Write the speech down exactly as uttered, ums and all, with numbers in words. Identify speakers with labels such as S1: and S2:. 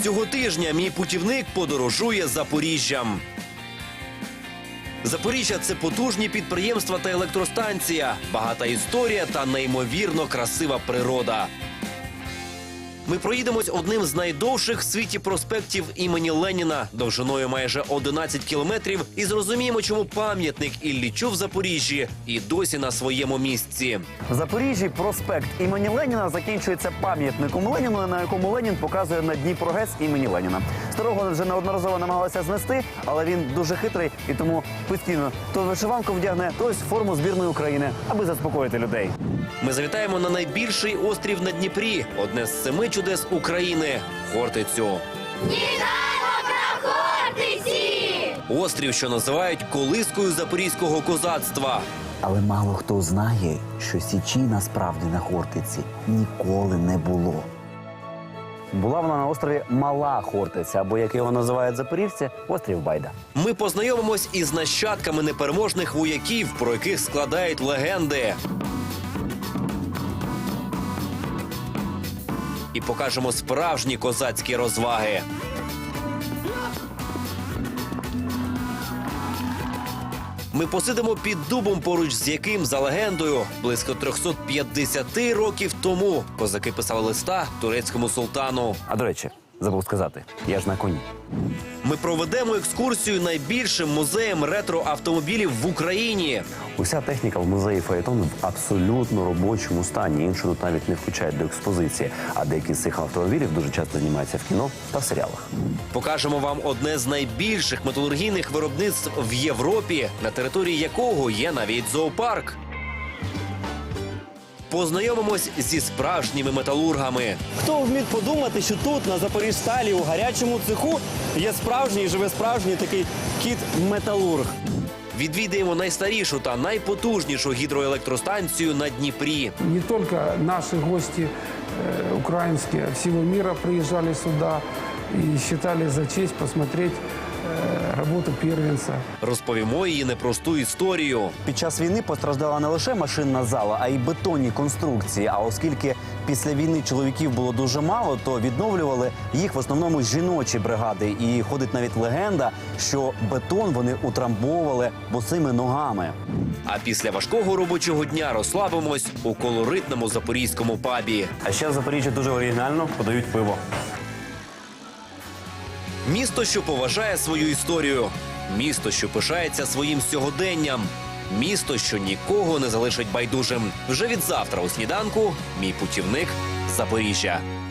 S1: Цього тижня мій путівник подорожує Запоріжжям. Запоріжжя – це потужні підприємства та електростанція, багата історія та неймовірно красива природа. Ми проїдемось одним з найдовших в світі проспектів імені Леніна, довжиною майже одинадцять кілометрів, і зрозуміємо, чому пам'ятник Іллічу в Запоріжжі і досі на своєму місці.
S2: В Запоріжжі проспект імені Леніна закінчується пам'ятником Леніну, на якому Ленін показує на Дніпро ГЕС імені Леніна. Старого вже неодноразово намагалися знести, але він дуже хитрий і тому постійно то вишиванку вдягне, то ось форму збірної України, аби заспокоїти людей.
S1: Ми завітаємо на найбільший острів на Дніпрі, одне з семи чудес України – Хортицю.
S3: Вітаємо на Хортиці!
S1: Острів, що називають колискою запорізького козацтва.
S2: Але мало хто знає, що Січі насправді на Хортиці ніколи не було. Була вона на острові Мала Хортиця, або, як його називають запоріжці, острів Байда.
S1: Ми познайомимось із нащадками непереможних вояків, про яких складають легенди. І покажемо справжні козацькі розваги. Ми посидимо під дубом, поруч з яким, за легендою, близько триста п'ятдесят років тому козаки писали листа турецькому султану.
S2: А до речі, забув сказати, я ж на коні.
S1: Ми проведемо екскурсію найбільшим музеєм ретро-автомобілів в Україні.
S2: Уся техніка в музеї фаєтону в абсолютно робочому стані. Іншу тут навіть не включають до експозиції. А деякі з цих автомобілів дуже часто знімаються в кіно та в серіалах.
S1: Покажемо вам одне з найбільших металургійних виробництв в Європі, на території якого є навіть зоопарк. Познайомимось зі справжніми металургами.
S4: Хто б міг подумати, що тут, на Запоріжсталі, у гарячому цеху, є справжній, живе справжній такий кіт-металург.
S1: Відвідаємо найстарішу та найпотужнішу гідроелектростанцію на Дніпрі.
S5: Не только наши гости э, украинские, а всего мира приезжали сюда и считали за честь посмотреть э, работу первенца.
S1: Розповімо її непросту історію.
S2: Під час війни постраждала не лише машинна зала, а й бетонні конструкції. А оскільки після війни чоловіків було дуже мало, то відновлювали їх в основному жіночі бригади. І ходить навіть легенда, що бетон вони утрамбовували босими ногами.
S1: А після важкого робочого дня розслабимось у колоритному запорізькому пабі.
S2: А ще в Запоріжжі дуже оригінально подають пиво.
S1: Місто, що поважає свою історію. Місто, що пишається своїм сьогоденням. Місто, що нікого не залишить байдужим. Вже від завтра у сніданку мій путівник Запоріжжя.